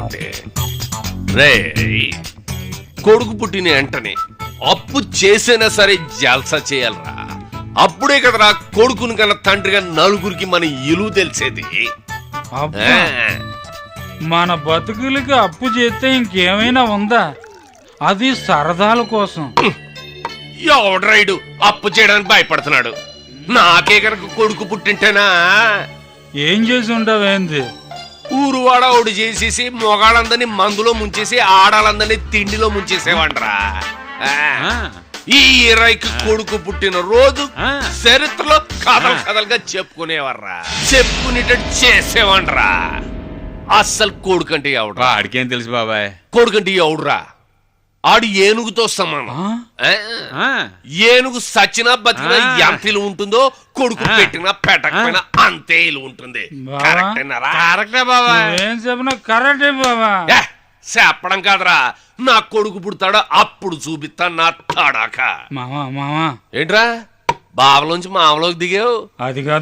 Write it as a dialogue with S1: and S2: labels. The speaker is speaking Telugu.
S1: కరెక్టే రే. కొడుకు పుట్టిన వెంటనే అప్పు చేసైనా సరే జల్సా చేయాలరా. అప్పుడే కదరా కొడుకుని కన్నా తండ్రిగా నలుగురికి మన ఇలువ తెలిసేది.
S2: అబ్బా, మన బతుకులకి అప్పు చేస్తే ఇంకేమైనా ఉందా? అది సరదాల కోసం.
S1: ఎవడ్రైడు అప్పు చేయడానికి భయపడుతున్నాడు? నాకే కనుక కొడుకు పుట్టింటేనా
S2: ఏం చేసి ఉంటావేంది?
S1: ఊరువాడ ఒకటి చేసేసి మొగాళ్ళందరినీ మందులో ముంచేసి ఆడాలందరినీ తిండిలో ముంచేసేవాడ్రా. ఈ 20కి కొడుకు పుట్టిన రోజు చరిత్రలో కథలు కథలుగా చెప్పుకునేవర్రా, చెప్పుకునేటట్టు చేసేవాడ్రా. అస్సలు కొడుకంటే ఎవడ్రా?
S3: ఆడికేం తెలుసు బాబాయ్?
S1: కొడుకంటే ఎవడ్రా? ఆడు ఏనుగుతో సమానం. ఏనుగు సచ్చినా బతికినా ఎంత ఇల్లు ఉంటుందో కొడుకు పెట్టినా పెట్టకపోయినా అంతే ఇల్లు ఉంటుంది.
S3: కరెక్టే బాబాయ్.
S2: ఏం చెప్పినా కరెక్టే బాబా.
S1: చెప్పడం కాదురా, నా కొడుకు పుడతాడా అప్పుడు చూపిస్తా నా తాడాక.
S2: మామా మామా,
S1: ఏంట్రా బావలోంచి మామలోకి దిగావు?
S2: అది